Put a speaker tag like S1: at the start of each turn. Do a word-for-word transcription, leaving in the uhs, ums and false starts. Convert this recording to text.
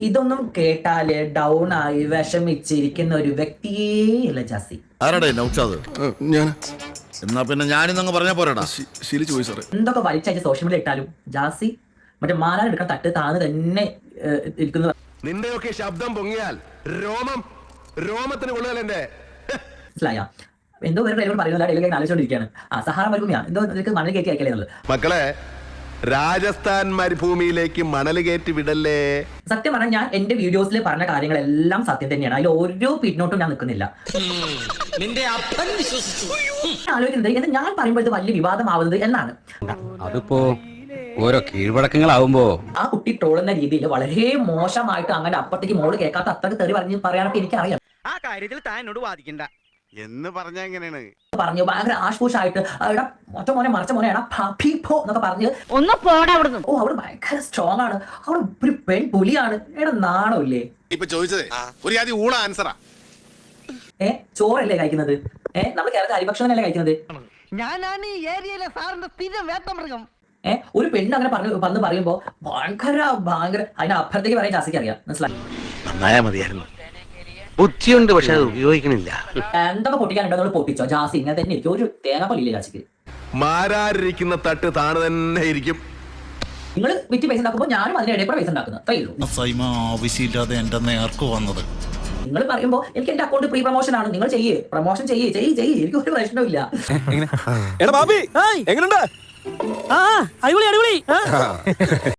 S1: ഇതൊന്നും കേട്ടാല് ഡൗൺ ആയി വിഷമിച്ചിരിക്കുന്ന ഒരു വ്യക്തിയേ ഇല്ല ജാസി.
S2: എന്നാ പിന്നെ ഞാനിന്നങ്ങ് പറഞ്ഞ പോരാടാ.
S1: എന്തൊക്കെ വലിച്ചയച്ച് സോഷ്യൽ മീഡിയ ഇട്ടാലും ജാസി മറ്റേ മാലാൻ എടുക്കാൻ തട്ട് താന്ന് തന്നെ ഇരിക്കുന്ന.
S3: നിന്റെയൊക്കെ ശബ്ദം പൊങ്ങിയാൽ രോമം രോമത്തിന് കൊള്ളുകയല്ലേ.
S1: മനസ്സിലായ എന്തോ വേറെ ഡ്രൈവർ പറയുന്നില്ല, ഡെയിലി ആലോചിച്ചോണ്ടിരിക്കുകയാണ്. ആ സഹാറ മരുഭൂമിയാ എന്തോ നിനക്ക് മണൽ കയറ്റി അയക്കലേ എന്നുള്ളത്.
S3: മക്കളെ, രാജസ്ഥാൻ മരുഭൂമിയിലേക്ക് മണൽ കയറ്റി വിടല്ലേ.
S1: സത്യം പറഞ്ഞാൽ ഞാൻ എന്റെ വീഡിയോസിൽ പറഞ്ഞ കാര്യങ്ങളെല്ലാം സത്യം തന്നെയാണ്. അതിൽ ഓരോ പിന്നോട്ടും ഞാൻ നിൽക്കുന്നില്ല. ആലോചിക്കുന്നത് എന്ന് ഞാൻ പറയുമ്പോൾ ഇത് വലിയ വിവാദമാവുന്നത് എന്നാണ്.
S4: അതിപ്പോ ഓരോ കീഴ്വഴക്കങ്ങളാവുമ്പോ
S1: ആ കുട്ടി ട്രോളുന്ന രീതിയിൽ വളരെ മോശമായിട്ട് അങ്ങനെ അപ്പത്തേക്ക് മോള് കേൾക്കാത്ത അത്രക്ക് തെറി പറഞ്ഞ് പറയാനൊക്കെ എനിക്കറിയാം.
S5: ആ കാര്യത്തിൽ താൻ എന്നോട് വാദിക്കണ്ട
S3: എന്ന് പറഞ്ഞ എങ്ങനെയാണ്
S1: പറഞ്ഞു ഭയങ്കര ആഷ്പൂഷായിട്ട് ഒറ്റ മോനെ മറച്ച മോനെ എന്നൊക്കെ പറഞ്ഞ്
S6: ഒന്ന് പോടാ അവിടുന്ന്.
S1: ഓ അവിടെ ഭയങ്കര സ്ട്രോങ് ആണ്, അവിടെ ഒരു പെൺ പുലിയാണ്. എടാ നാണമില്ലേ?
S3: ഇപ്പൊ ചോദിച്ചത് ഒരു ആദ്യം ഊള ആൻസറാ.
S1: ഏ ചോറല്ലേ കഴിക്കുന്നത്? ഏ നമ്മൾ കേരളത്തിൽ അരിഭക്ഷണമല്ലേ കഴിക്കുന്നത്?
S5: ഞാനാണ് ഈ ഏരിയയിലെ സാറിന്റെ സ്ഥിരം വേട്ടമൃഗം.
S1: ഏഹ് ഒരു പെണ്ണ് അങ്ങനെ പറഞ്ഞു വന്ന് പറയുമ്പോ ഭയങ്കര ഭയങ്കര അതിന്റെ അപ്പുറത്തേക്ക് പറയാൻ ജാസിക്ക് അറിയാം. മനസ്സിലായി?
S7: നന്നായാ മതിയായിരുന്നു. ബുദ്ധിയുണ്ട്, പക്ഷെ അത് ഉപയോഗിക്കണില്ല.
S1: എന്തൊക്കെ പൊട്ടിക്കാനുണ്ടോ നമ്മൾ പൊട്ടിച്ചോ. ജാസി ഇങ്ങനെ തന്നെ ഇരിക്കും, ഒരു തേങ്ങ പോലില്ലേ ജാസിക്ക്.
S3: മാരാരിരിക്കുന്ന തട്ട് താണ് തന്നെ ഇരിക്കും.
S1: നിങ്ങൾ വിറ്റ് പൈസ ഉണ്ടാക്കുമ്പോൾ ഞാനും അതിന്റെ ഇടയിൽ കൂടെ പൈസ ഉണ്ടാക്കുന്നത് അത്രയേ ഉള്ളൂ.
S2: ആവശ്യമില്ലാതെ എന്റെ നേർക്ക് വന്നത്.
S1: നിങ്ങൾ പറയുമ്പോ എനിക്ക് എന്റെ അക്കൗണ്ട് പ്രീ പ്രൊമോഷൻ ആണ്, നിങ്ങൾ ചെയ്യേ പ്രൊമോഷൻ ചെയ്യേ ചെയ്യ് ചെയ്യ് എനിക്ക് ഒരു പ്രശ്നമില്ല.
S8: അടിപൊളി അടിപൊളി